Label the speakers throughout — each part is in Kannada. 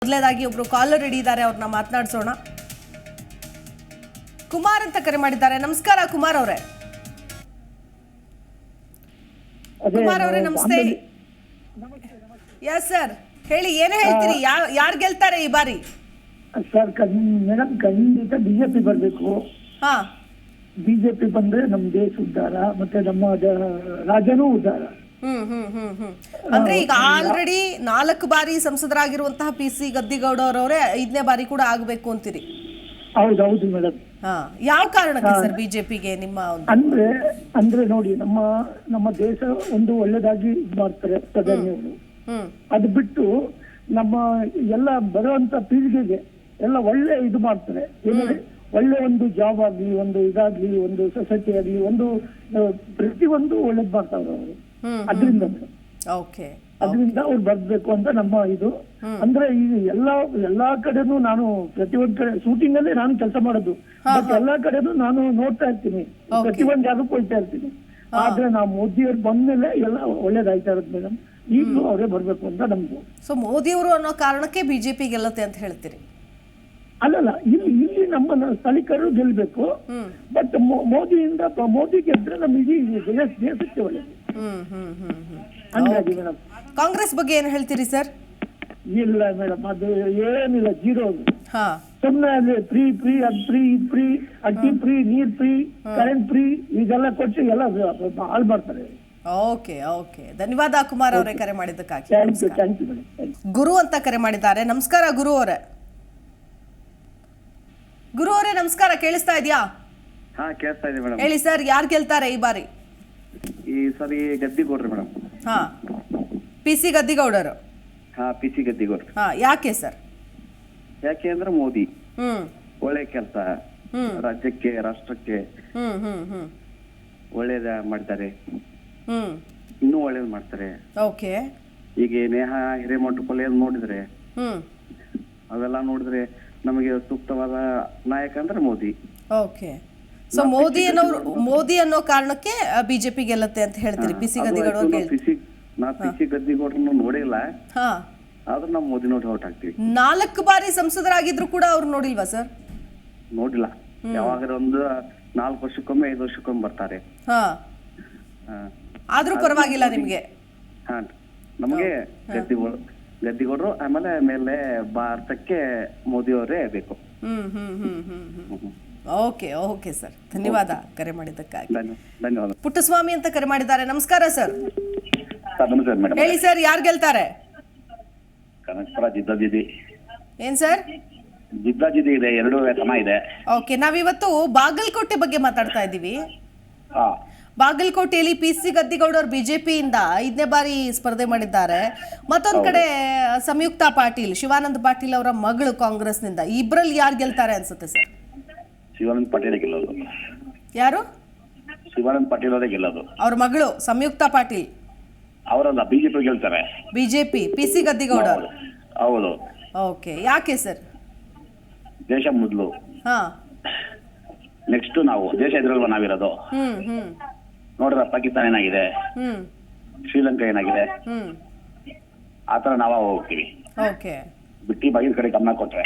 Speaker 1: ಮೊದಲನೇದಾಗಿ ಒಬ್ರು ಕಾಲರ್ ಹಿಡಿದ್ದಾರೆ, ಅವ್ರನ್ನ ಮಾತನಾಡಿಸೋಣ. ಕುಮಾರ್ ಅಂತ ಕರೆ ಮಾಡಿದ್ದಾರೆ. ನಮಸ್ಕಾರ ಕುಮಾರ್ ಅವರೇ. ಕುಮಾರ್ ಅವರೇ ನಮಸ್ತೆ. ಯಸ್ ಸರ್, ಹೇಳಿ, ಏನು ಹೇಳ್ತೀರಿ? ಯಾರು ಗೆಲ್ತಾರೆ ಈ ಬಾರಿ?
Speaker 2: ಸರ್ ಮೇಡಮ್, ಖಂಡಿತ ಬಿಜೆಪಿ ಬರಬೇಕು.
Speaker 1: ಹಾ,
Speaker 2: ಬಿಜೆಪಿ ಬಂದ್ರೆ ನಮ್ಮ ದೇಶ ಉದ್ಧಾರ, ಮತ್ತೆ ನಮ್ಮ ರಾಜ್ಯನೂ ಉದ್ಧಾರ.
Speaker 1: ಅಂದ್ರೆ ಈಗ ಆಲ್ರೆಡಿ 4 ಬಾರಿ ಸಂಸದರಾಗಿರುವಂತಹ PC ಗದ್ದಿಗೌಡ ಅವರವರೇ 5ನೇ ಬಾರಿ ಕೂಡ ಆಗಬೇಕು ಅಂತೀರಿ?
Speaker 2: ಹೌದೌದು ಮೇಡಮ್.
Speaker 1: ಯಾವ ಕಾರಣಕ್ಕೆ ಸರ್ ಬಿಜೆಪಿಗೆ ನಿಮ್ಮ
Speaker 2: ಅಂದ್ರೆ ನೋಡಿ, ನಮ್ಮ ದೇಶ ಒಂದು ಒಳ್ಳೇದಾಗಿ ಇದ್ ಮಾಡ್ತಾರೆ ಪ್ರಧಾನಿಯವರು. ಅದು ಬಿಟ್ಟು ನಮ್ಮ ಎಲ್ಲ ಬರುವಂತ ಪೀಳಿಗೆಗೆ ಎಲ್ಲ ಒಳ್ಳೆ ಇದು ಮಾಡ್ತಾರೆ. ಏನಂದ್ರೆ ಒಳ್ಳೆ ಒಂದು ಜಾಬ್ ಆಗ್ಲಿ, ಒಂದು ಇದಾಗ್ಲಿ, ಒಂದು ಸೊಸೈಟಿ ಆಗ್ಲಿ, ಒಂದು ಪ್ರತಿಯೊಂದು ಒಳ್ಳೇದ್ ಮಾಡ್ತಾವ್ರೆ ಅವರು. ಅದರಿಂದ ಅವ್ರು ಬರ್ಬೇಕು ಅಂತ ನಮ್ಮ ಇದು. ಅಂದ್ರೆ ಈಗ ಎಲ್ಲಾ ಕಡೆನೂ ನಾನು ಪ್ರತಿಯೊಂದ್ ಕಡೆ ಶೂಟಿಂಗ್ ಅಲ್ಲೇ ನಾನು ಕೆಲಸ ಮಾಡೋದು. ಬಟ್ ಎಲ್ಲಾ ಕಡೆನೂ ನಾನು ನೋಡ್ತಾ ಇರ್ತೀನಿ, ಪ್ರತಿಯೊಂದ್ ಜಾಗಕ್ಕೂ ಹೋಗ್ತಾ ಇರ್ತೀನಿ. ಆದ್ರೆ ನಾವು ಮೋದಿ ಅವ್ರು ಬಂದ್ಮೇಲೆ ಎಲ್ಲ ಒಳ್ಳೇದಾಯ್ತಾ ಇರೋದು ಮೇಡಮ್. ಈಗಲೂ ಅವರೇ ಬರ್ಬೇಕು ಅಂತ ನಮ್ದು. ಸೊ
Speaker 1: ಮೋದಿ ಅವರು ಅನ್ನೋ ಕಾರಣಕ್ಕೆ ಬಿಜೆಪಿ ಗೆಲ್ಲುತ್ತೆ ಅಂತ ಹೇಳ್ತೀರಿ?
Speaker 2: ಅಲ್ಲಲ್ಲ, ಇಲ್ಲಿ ನಮ್ಮ ಸ್ಥಳೀಕರು ಗೆಲ್ಬೇಕು. ಬಟ್ ಮೋದಿ ಗೆದ್ರೆ ನಮ್ ಇಡೀ ದೇಶಕ್ಕೆ ಒಳ್ಳೇದು. ಹಂಗಾಗಿ ಮೇಡಮ್,
Speaker 1: ಕಾಂಗ್ರೆಸ್ ಬಗ್ಗೆ ಏನ್ ಹೇಳ್ತೀರಿ ಸರ್?
Speaker 2: ಇಲ್ಲ ಮೇಡಮ್, ಅದು ಏನಿಲ್ಲ, ಜೀರೋ. ಸುಮ್ಮನೆ ಅಲ್ಲಿ ಫ್ರೀ ಅದ್ ಫ್ರೀ, ಇದ್ ಫ್ರೀ, ಅಕ್ಕಿ ಫ್ರೀ, ನೀರ್ ಫ್ರೀ, ಕರೆಂಟ್ ಫ್ರೀ, ಇದೆಲ್ಲ ಕೊಟ್ಟು ಎಲ್ಲ ಹಾಳು ಮಾಡ್ತಾರೆ.
Speaker 1: ಓಕೆ, ಧನ್ಯವಾದ ಕುಮಾರ್ ಅವರೇ ಕರೆ ಮಾಡಿದ್ದಕ್ಕಾಗಿ.
Speaker 2: Thank you madam.
Speaker 1: ಗುರು ಅಂತ ಕರೆ ಮಾಡಿದ್ದಾರೆ. ನಮಸ್ಕಾರ ಗುರು ಅವರೇ. ನಮಸ್ಕಾರ, ಕೇಳಿಸ್ತಾ ಇದೆಯಾ?
Speaker 3: ಹಾ, ಕೇಳಿಸ್ತಾ ಇದೆ ಮೇಡಮ್.
Speaker 1: ಹೇಳಿ ಸರ್, ಯಾರು ಗೆಲ್ತಾರೆ ಈ ಬಾರಿ?
Speaker 3: ಈ ಸರಿ ಗದ್ದಿಗೌಡ್ರು ಮೇಡಮ್.
Speaker 1: ಹಾ, PC ಗದ್ದಿಗೌಡರು.
Speaker 3: ಹಾ, PC ಗದ್ದಿಗೌಡ್ರು.
Speaker 1: ಯಾಕೆ ಸರ್?
Speaker 3: ಯಾಕೆ ಅಂದ್ರೆ ಮೋದಿ ಒಳ್ಳೆ ಕೆಲಸ ರಾಜ್ಯಕ್ಕೆ, ರಾಷ್ಟ್ರಕ್ಕೆ ಒಳ್ಳೇದ ಮಾಡ್ತಾರೆ. ಇನ್ನೂ ಒಳ್ಳೇದ್ ಮಾಡ್ತಾರೆ.
Speaker 1: ಓಕೆ. ಈಗ
Speaker 3: ನೇಹಾ ಹಿರೇಮಠ ಕೊಲೆ ನೋಡಿದ್ರೆ, ಅವೆಲ್ಲ ನೋಡಿದ್ರೆ ನಮಗೆ ಸೂಕ್ತವಾದ ನಾಯಕ ಅಂದ್ರೆ ಮೋದಿ.
Speaker 1: ಓಕೆ. ಸೊ ಮೋದಿ ಅನ್ನೋ ಕಾರಣಕ್ಕೆ ಬಿಜೆಪಿ ಗೆಲ್ಲುತ್ತೆ ಅಂತ ಹೇಳ್ತೀರಿ? PC ಗದ್ದಿಗೌಡರು
Speaker 3: PC ಗದ್ದಿಗೌಡ್ರನ್ನ ನೋಡಿಲ್ಲ, ಆದ್ರೆ ನಾವು ಮೋದಿ ನೋಡಿ ಔಟ್ ಆಗ್ತೀವಿ.
Speaker 1: 4 ಬಾರಿ ಸಂಸದರಾಗಿದ್ರು ಕೂಡ ಅವ್ರು ನೋಡಿಲ್ವಾ ಸರ್?
Speaker 3: ನೋಡಿಲ್ಲ. ಯಾವಾಗ ಒಂದು 4 ವರ್ಷಕ್ಕೊಮ್ಮೆ 5 ವರ್ಷಕ್ಕೊಮ್ಮೆ ಬರ್ತಾರೆ.
Speaker 1: ಆದ್ರೂ ಪರವಾಗಿಲ್ಲ ನಿಮ್ಗೆ?
Speaker 3: ನಮಗೆ ಗದ್ದಿಗೌಡರು, ಆಮೇಲೆ ಮೇಲೆ ಭಾರತಕ್ಕೆ ಮೋದಿ ಅವರೇ ಬೇಕು.
Speaker 1: ಓಕೆ ಸರ್, ಧನ್ಯವಾದ ಕರೆ ಮಾಡಿದ್ದಕ್ಕಾಗಿ.
Speaker 3: ಧನ್ಯವಾದ.
Speaker 1: ಪುಟ್ಟಸ್ವಾಮಿ ಅಂತ ಕರೆ ಮಾಡಿದ್ದಾರೆ. ನಮಸ್ಕಾರ ಸರ್.
Speaker 3: ಮೇಡಮ್
Speaker 1: ಹೇಳಿ ಸರ್, ಯಾರು ಗೆಲ್ತಾರೆ?
Speaker 3: ಕನಕಪುರ ಜಿದ್ದಾಜಿದ್ದಿ.
Speaker 1: ಏನ್ ಸರ್?
Speaker 3: ಜಿದ್ದಾಜಿದ್ದಿ ಇದೆ, 2 ಸಮ ಇದೆ.
Speaker 1: ಓಕೆ, ನಾವಿವತ್ತು ಬಾಗಲಕೋಟೆ ಬಗ್ಗೆ ಮಾತಾಡ್ತಾ ಇದ್ದೀವಿ. ಬಾಗಲಕೋಟೆಯಲ್ಲಿ PC ಗದ್ದಿಗೌಡರು ಬಿಜೆಪಿಯಿಂದ 5ನೇ ಬಾರಿ ಸ್ಪರ್ಧೆ ಮಾಡಿದ್ದಾರೆ. ಮತ್ತೊಂದ್ ಕಡೆ ಸಂಯುಕ್ತ ಪಾಟೀಲ್, ಶಿವಾನಂದ ಪಾಟೀಲ್ ಅವರ ಮಗಳು ಕಾಂಗ್ರೆಸ್ನಿಂದ. ಇಬ್ಬರಲ್ಲಿ ಯಾರು ಗೆಲ್ತಾರೆ ಅನ್ಸುತ್ತೆ ಸರ್?
Speaker 3: ಶಿವಾನಂದ ಪಾಟೀಲ್ ಗೆಲ್ಲೋದು.
Speaker 1: ಯಾರು?
Speaker 3: ಶಿವಾನಂದ ಪಾಟೀಲ್ ಅವರೇ ಗೆಲ್ಲೋದು.
Speaker 1: ಅವ್ರ ಮಗಳು ಸಂಯುಕ್ತ ಪಾಟೀಲ್
Speaker 3: ಅವರಲ್ಲ, ಬಿಜೆಪಿ ಗೆಲ್ತಾರೆ.
Speaker 1: ಬಿಜೆಪಿ PC ಗದ್ದಿಗೌಡರು.
Speaker 3: ಹೌದು.
Speaker 1: ಓಕೆ, ಯಾಕೆ ಸರ್?
Speaker 3: ದೇಶ ಮೊದಲು, ನೆಕ್ಸ್ಟ್ ನಾವು. ದೇಶ ಎದುರಲ್ವ ನಾವಿರೋದು. ನೋಡ್ರ ಪಾಕಿಸ್ತಾನ ಏನಾಗಿದೆ, ಶ್ರೀಲಂಕಾ ಏನಾಗಿದೆ, ಆತರ ನಾವ ಹೋಗ್ತೀವಿ. ಬಿಟ್ಟಿ ಬಾಗಿನ ಕಡೆ ಗಮನ ಕೊಟ್ರೆ.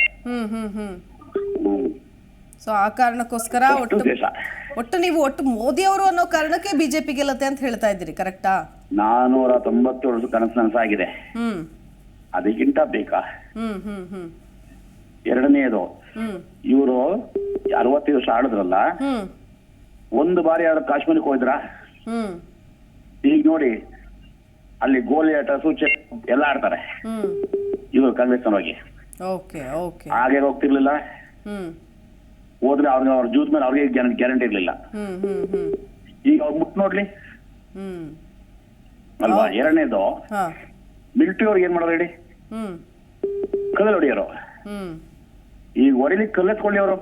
Speaker 1: ಸೊ ಆ ಕಾರಣಕ್ಕೋಸ್ಕರ ಒಟ್ಟು ನೀವು ಮೋದಿ ಅವರು ಅನ್ನೋ ಕಾರಣಕ್ಕೆ ಬಿಜೆಪಿ ಗೆಲ್ಲುತ್ತೆ ಅಂತ ಹೇಳ್ತಾ ಇದ್ದೀರಿ, ಕರೆಕ್ಟಾ?
Speaker 3: 497 ಕನಸು ನನಸಾಗಿದೆ. ಅದಕ್ಕಿಂತ ಬೇಕಾ? ಎರಡನೇದು, ಇವರು 65 ವರ್ಷ ಆಡಿದ್ರಲ್ಲ, ಒಂದು ಬಾರಿ ಯಾರು ಕಾಶ್ಮೀರಕ್ಕೆ ಹೋದ್ರ? ಈಗ ನೋಡಿ, ಅಲ್ಲಿ ಗೋಲಿ ಆಟ, ಸೂಚನೆ ಎಲ್ಲ ಆಡ್ತಾರೆ ಇವರು ಕಾಂಗ್ರೆಸ್ನವರಿಗೆ. ಹಾಗೆ ಹೋಗ್ತಿರ್ಲಿಲ್ಲ. ಹೋದ್ರೆ ಅವ್ರ ಜೂತ್ ಮೇಲೆ ಅವ್ರಿಗೆ ಗ್ಯಾರಂಟಿ ಇರ್ಲಿಲ್ಲ. ಈಗ ಅವ್ರು ಮುಟ್ ನೋಡ್ಲಿ ಅಲ್ವಾ? ಎರಡನೇದು, ಮಿಲಿಟರಿ ಅವ್ರಿಗೆ ಏನ್ ಮಾಡೋದು ಹೇಳಿ? ಕಲ್ಲಲ್ಲಿ ಹೊಡಿಯೋರು. ಈಗ ಹೊಡಿಲಿಕ್ಕೆ ಕಲ್ಲೆತ್ಕೊಳ್ಳಿ ಅವರು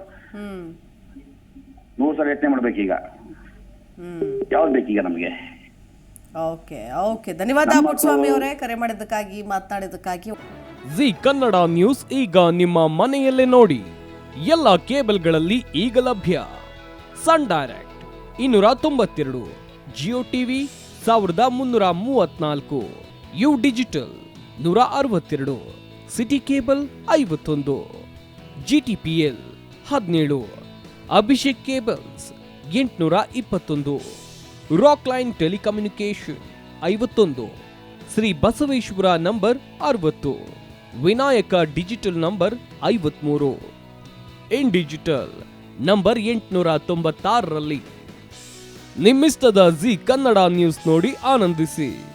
Speaker 3: 100 ಸಲ ಯತ್ನೆ ಮಾಡ್ಬೇಕೀಗ. ಯಾವ್ದು ಬೇಕೀಗ ನಮ್ಗೆ?
Speaker 1: ಓಕೆ, ಧನ್ಯವಾದ ಪುಟ್ಟಸ್ವಾಮಿ ಅವರೇ ಕರೆ ಮಾಡಿದ್ದಕ್ಕಾಗಿ, ಮಾತನಾಡಿದ್ದಕ್ಕಾಗಿ.
Speaker 4: ಜಿ ಕನ್ನಡ ನ್ಯೂಸ್ ಈಗ ನಿಮ್ಮ ಮನೆಯಲ್ಲೇ ನೋಡಿ. ಎಲ್ಲ ಕೇಬಲ್ಗಳಲ್ಲಿ ಈಗ ಲಭ್ಯ. Sun Direct 292, Jio TV 1334, U digital 162, City cable 51, GTPL 17, Abhishek cables 821, Rockline telecommunication 51, Shri Basaveshwara number 60, Vinayaka digital number 53, In digital number 896ರಲ್ಲಿ ನಿಮ್ಮಿಸ್ತದ ಜಿ ಕನ್ನಡ ನ್ಯೂಸ್ ನೋಡಿ ಆನಂದಿಸಿ.